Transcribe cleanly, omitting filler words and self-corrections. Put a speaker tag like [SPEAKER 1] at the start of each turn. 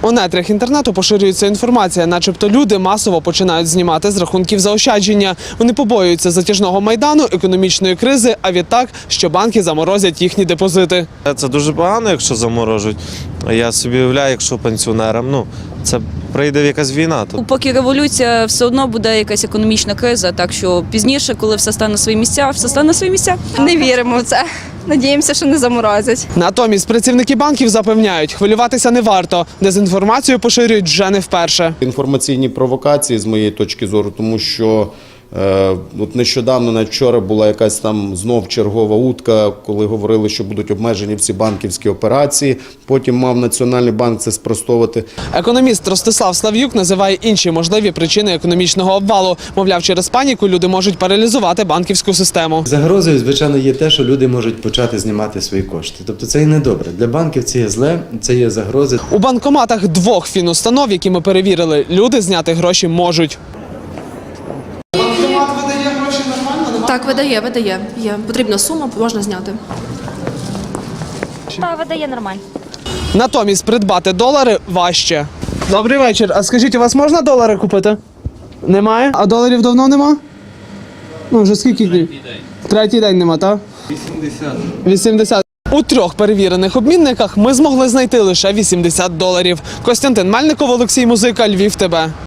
[SPEAKER 1] У нетрях інтернету поширюється інформація, начебто люди масово починають знімати з рахунків заощадження. Вони побоюються затяжного майдану, економічної кризи, а відтак, що банки заморозять їхні депозити.
[SPEAKER 2] Це дуже погано, якщо заморожують. Я собі уявляю, якщо пенсіонерам, це прийде якась війна.
[SPEAKER 3] Поки революція, все одно буде якась економічна криза, так що пізніше, коли все стане на свої місця, все стане на свої місця.
[SPEAKER 4] Не віримо в це. Надіємося, що не заморозять.
[SPEAKER 1] Натомість працівники банків запевняють, хвилюватися не варто. Дезінформацію поширюють вже не вперше.
[SPEAKER 5] Інформаційні провокації, з моєї точки зору, тому що от нещодавно, навіть вчора, була якась там знов чергова утка, коли говорили, що будуть обмежені всі банківські операції. Потім мав Національний банк це спростовувати.
[SPEAKER 1] Економіст Ростислав Слав'юк називає інші можливі причини економічного обвалу. Мовляв, через паніку люди можуть паралізувати банківську систему.
[SPEAKER 6] Загрозою, звичайно, є те, що люди можуть почати знімати свої кошти. Тобто це і не добре. Для банків це є зле, це є загрози.
[SPEAKER 1] У банкоматах двох фінустанов, які ми перевірили, люди зняти гроші можуть. Банкомат видає гроші нормально?
[SPEAKER 7] Так, видає. Є потрібна сума, можна зняти.
[SPEAKER 8] Так, видає нормально.
[SPEAKER 1] Натомість придбати долари важче. Добрий вечір. А скажіть, у вас можна долари купити? Немає? А доларів давно нема? Вже скільки днів? Третій день нема, так? 80. У трьох перевірених обмінниках ми змогли знайти лише $80. Костянтин Мельников, Олексій Музика, Львів ТБ.